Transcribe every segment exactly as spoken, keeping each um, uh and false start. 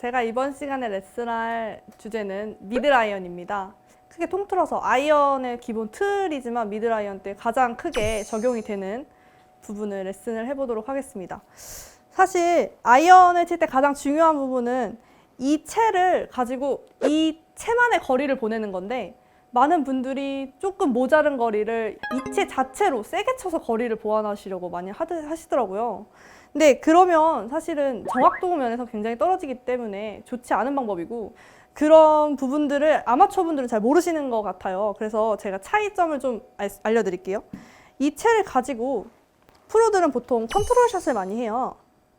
제가 이번 시간에 레슨할 주제는 미드라이언입니다. 크게 통틀어서 아이언의 기본 틀이지만 미드라이언 때 가장 크게 적용이 되는 부분을 레슨을 해보도록 하겠습니다. 사실 아이언을 칠 때 가장 중요한 부분은 이 채를 가지고 이 채만의 거리를 보내는 건데, 많은 분들이 조금 모자른 거리를 이 채 자체로 세게 쳐서 거리를 보완하시려고 많이 하시더라고요. 근데 그러면 사실은 정확도 면에서 굉장히 떨어지기 때문에 좋지 않은 방법이고, 그런 부분들을 아마추어 분들은 잘 모르시는 것 같아요. 그래서 제가 차이점을 좀 알려드릴게요. 이 채를 가지고 프로들은 보통 컨트롤 샷을 많이 해요.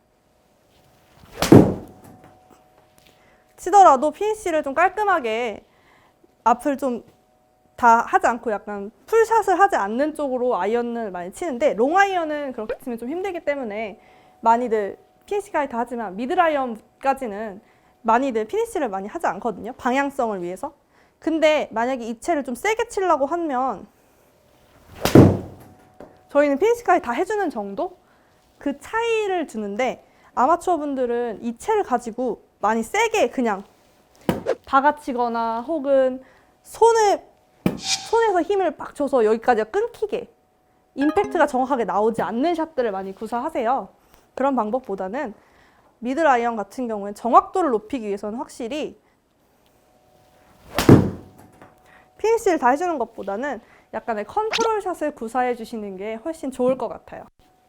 치더라도 피니쉬를 좀 깔끔하게 앞을 좀 다 하지 않고 약간 풀샷을 하지 않는 쪽으로 아이언을 많이 치는데, 롱아이언은 그렇게 치면 좀 힘들기 때문에 많이들 피니쉬까지 다 하지만 미드라이언까지는 많이들 피니쉬를 많이 하지 않거든요. 방향성을 위해서. 근데 만약에 이 채를 좀 세게 치려고 하면 저희는 피니쉬까지 다 해주는 정도? 그 차이를 주는데, 아마추어 분들은 이 채를 가지고 많이 세게 그냥 박아치거나 혹은 손을 손에서 힘을 빡 줘서 여기까지가 끊기게 임팩트가 정확하게 나오지 않는 샷들을 많이 구사하세요. 그런 방법보다는 미드라이언 같은 경우는 정확도를 높이기 위해서는 확실히 피니쉬를 다 해주는 것보다는 약간의 컨트롤 샷을 구사해 주시는 게 훨씬 좋을 것 같아요.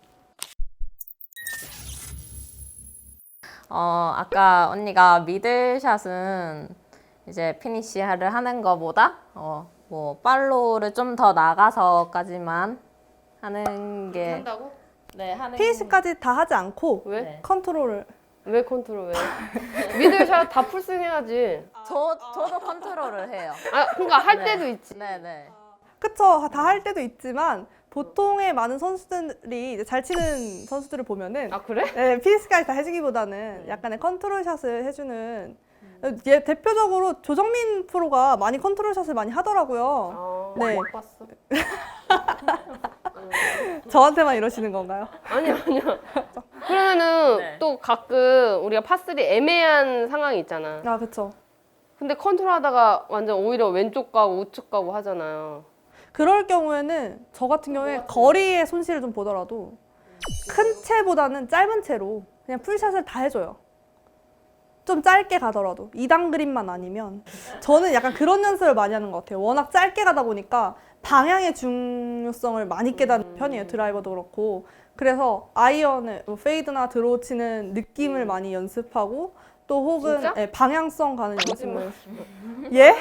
어, 아까 언니가 미들샷은 이제 피니쉬를 하는 것보다 어, 뭐 팔로우를 좀 더 나가서까지만 하는 게 한다고? 네, 하는 피니쉬까지 다 하지 않고 왜? 네. 컨트롤을. 왜 컨트롤 왜? 미들샷 다 풀스윙 해야지. 저 저도 컨트롤을 해요. 아, 그러니까 할 네. 때도 있지. 네, 네. 그쵸, 다 할 때도 있지만 보통의 많은 선수들이 이제 잘 치는 선수들을 보면은 아, 그래? 네, 피니쉬까지 다 해주기보다는 약간의 컨트롤 샷을 해주는, 얘 대표적으로 조정민 프로가 많이 컨트롤 샷을 많이 하더라고요. 아, 네. 못 봤어. 저한테만 이러시는 건가요? 아니야, 아니야. 그러면은 네. 또 가끔 우리가 파쓰리 애매한 상황이 있잖아. 아, 그쵸. 근데 컨트롤 하다가 완전 오히려 왼쪽 가고 우측 가고 하잖아요. 그럴 경우에는 저 같은 경우에 거리의 손실을 좀 보더라도 큰 채보다는 짧은 채로 그냥 풀샷을 다 해줘요. 좀 짧게 가더라도 이 단 그립만 아니면. 저는 약간 그런 연습을 많이 하는 것 같아요. 워낙 짧게 가다 보니까 방향의 중요성을 많이 깨닫는 편이에요. 드라이버도 그렇고. 그래서 아이언을 뭐 페이드나 드로우 치는 느낌을 많이 연습하고, 또 혹은 진짜? 예, 방향성 가는 거짓말. 연습을. 예?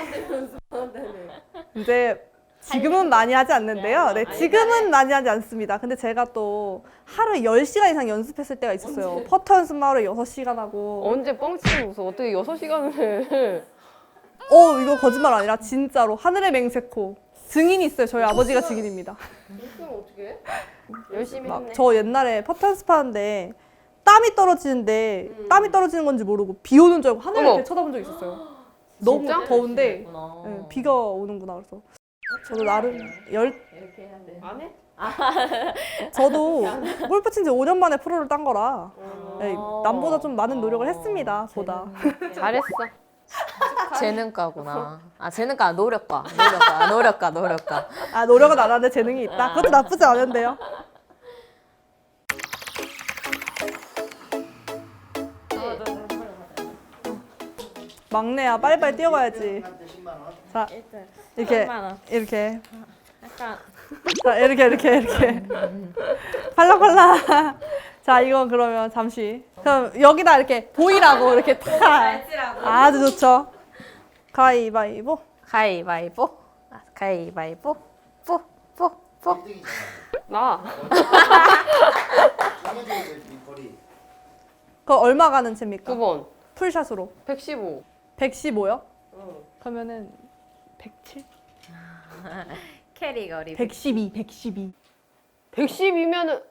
이제 지금은 많이 하지 않는데요. 네, 지금은 많이 하지 않습니다. 근데 제가 또 하루에 열 시간 이상 연습했을 때가 있었어요. 퍼터 연습만 하루에 여섯 시간 하고. 언제 뻥치고 웃어? 어떻게 여섯 시간을 해? 어, 이거 거짓말 아니라 진짜로 하늘의 맹세코. 증인이 있어요. 저희 아버지가 증인입니다. 그럼 어떻게 해? 열심히 막 했네. 저 옛날에 퍼터 연습하는데 땀이 떨어지는데 땀이 떨어지는 건지 모르고 비 오는 줄 알고 하늘을 어머. 이렇게 쳐다본 적 있었어요. 너무 진짜? 더운데 그렇구나. 네, 비가 오는구나. 그래서 저도 나름 열 이렇게 해야 돼. 안 해? 저도 골프 친 지 오 년 만에 프로를 딴 거라 어. 네, 남보다 좀 많은 노력을 했습니다. 보다. 잘했어. 재능가구나. 아, 재능가, 노력가. 노력가, 노력가, 노력가. 아, 노력은 안 하는데 재능이 있다. 그것도 나쁘지 않은데요. 막내야, 빨리빨리 뛰어가야지. 자, 이렇게 십만 원. 이렇게 약간 자, 이렇게 이렇게 이렇게 팔랑팔랑. 자, 이거 그러면 잠시 그럼 여기다 이렇게 보이라고 이렇게 탁. 아주 좋죠. 가위바위보. 가위바위보. 아, 가위바위보. 뽀, 뽀, 뽀. 나. 그거 얼마 가는 채입니까? 두 번. 풀샷으로. 백십오. 백십오요? 응. 그러면은 백칠? 캐리 거리. 백십이, 백십이. 백십이면은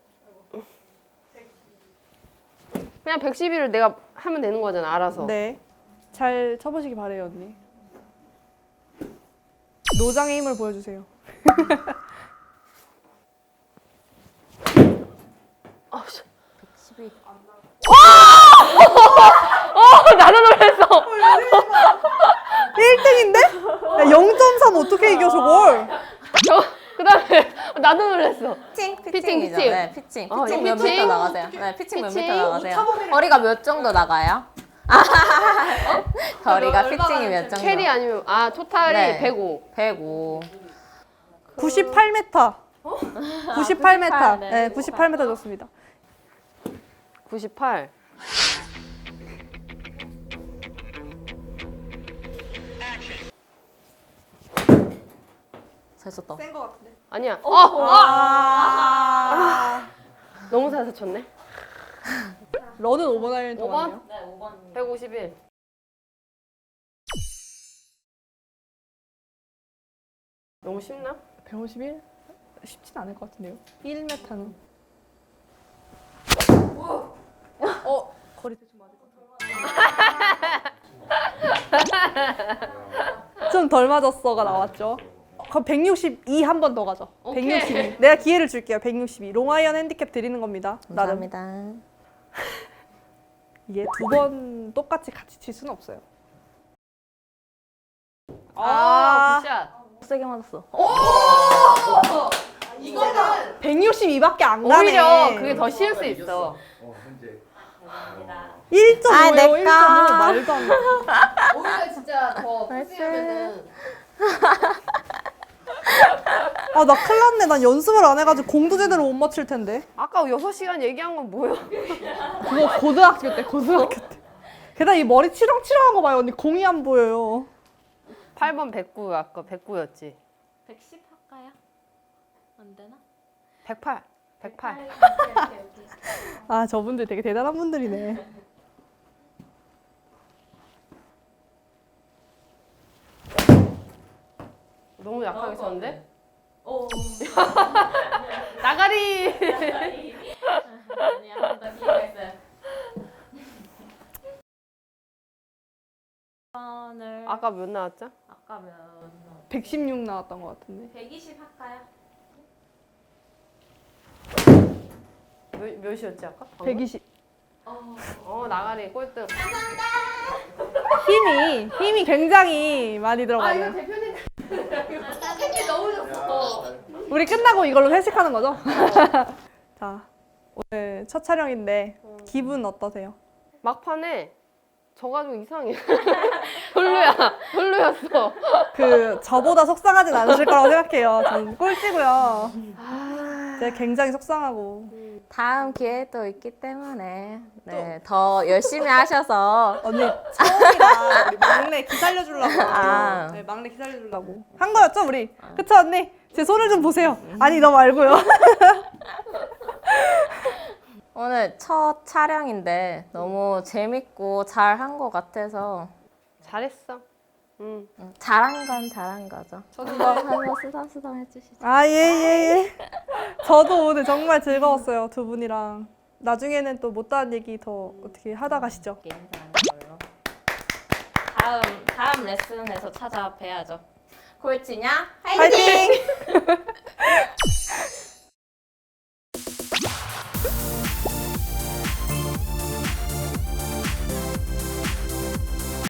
그냥 백십이를 내가 하면 되는 거잖아, 알아서. 네. 잘 쳐보시기 바래요, 언니. 노장의 힘을 보여주세요. 아, 씨. 십이. 어, 나도 놀랐어. 일 등인데? 야, 영 점 삼 어떻게 이겨 저걸? 저 그다음에 나도 놀랐어. 피칭, 피칭, 피칭이죠. 피칭. 네, 피칭. 어, 피칭 이거 몇 피칭? 미터 나가세요? 네, 피칭 몇 피칭? 미터 나가세요? 거리가 몇 정도 나가요? 거리가 피칭이 몇 정도? 캐리 아니면 아 토탈이 네. 백오. 백오. 구십팔 미터. 구십팔 미터. 구십팔, 네. 네, 구십팔 미터 좋습니다. 구십팔. 잘 쳤다. 센 거 같은데. 아니야. 어. 아. 너무 잘 쳤네. 러는 오 번 아이언이 더 오 번? 많네요. 네, 오 번. 백오십일. 너무 쉽나? 백오십일? 쉽진 않을 것 같은데요. 일 미터는. 어, 거리 대충 맞을 것 같아. 좀 덜 맞았어가 나왔죠. 그럼 백육십이 한 번 더 가죠. 오케이. 백육십이. 내가 기회를 줄게요. 백육십이. 롱아이언 핸디캡 드리는 겁니다. 나름. 감사합니다. 이게 두 번 똑같이 같이 칠 수는 없어요. 아, 굿샷. 세게 맞았어. 이거는 백육십이밖에 안 가네. 오히려 그게 더 쉬울 수 있어. 일 점 오예요. 아, 내꺼. 일 점 오. 말도 안 돼. 오히려 진짜 더 푸시하면은 아, 나 큰일 났네. 난 연습을 안 해가지고 공도 제대로 못 맞힐 텐데. 아까 여섯 시간 얘기한 건 뭐야? 그거 고등학교 때, 고등학교 때. 게다가 이 머리 치렁치렁한 거 봐요, 언니. 공이 안 보여요. 팔 번 백구 아까 백구였지. 백십 할까요? 안 되나? 백팔. 백팔. 아, 저분들 되게 대단한 분들이네. 너무 약하게 쳤는데? 오. 나가리. 아니야, 나 기회가 있어요. 번을 아까 몇 나왔죠? 아까 몇 백십육 나왔던 것 같은데. 백이십 할까요? 몇, 몇이었지 아까? 방금? 백이십. 어 나가리 꼴등. 힘이, 힘이 굉장히 많이 들어가요. 대표님. 햇빛 너무 좋어. 우리 끝나고 이걸로 회식하는 거죠? 자, 오늘 첫 촬영인데 기분 어떠세요? 막판에 져가지고 이상해. 별로야. 별로였어. 그 저보다 속상하진 않으실 거라고 생각해요. 전 꼴찌고요. 제가 굉장히 속상하고. 다음 기회도 있기 때문에 네, 더 열심히 하셔서 언니 처음이라 우리 막내 기살려주려고. 아. 네, 막내 기살려주려고 한 거였죠 우리. 그쵸 언니? 제 손을 좀 보세요. 아니 너 말고요. 오늘 첫 촬영인데 너무 재밌고 잘한 것 같아서 잘했어. 응. 음, 잘한 건 잘한 거죠. 저도 한번 쓰담쓰담 해주시죠. 아, 예, 예, 예. 저도 오늘 정말 즐거웠어요, 두 분이랑. 나중에는 또 못다한 얘기 더 어떻게 하다 가시죠. 게임 잘하는 걸로. 다음 다음 레슨에서 찾아뵈야죠. 골치냐? 파이팅!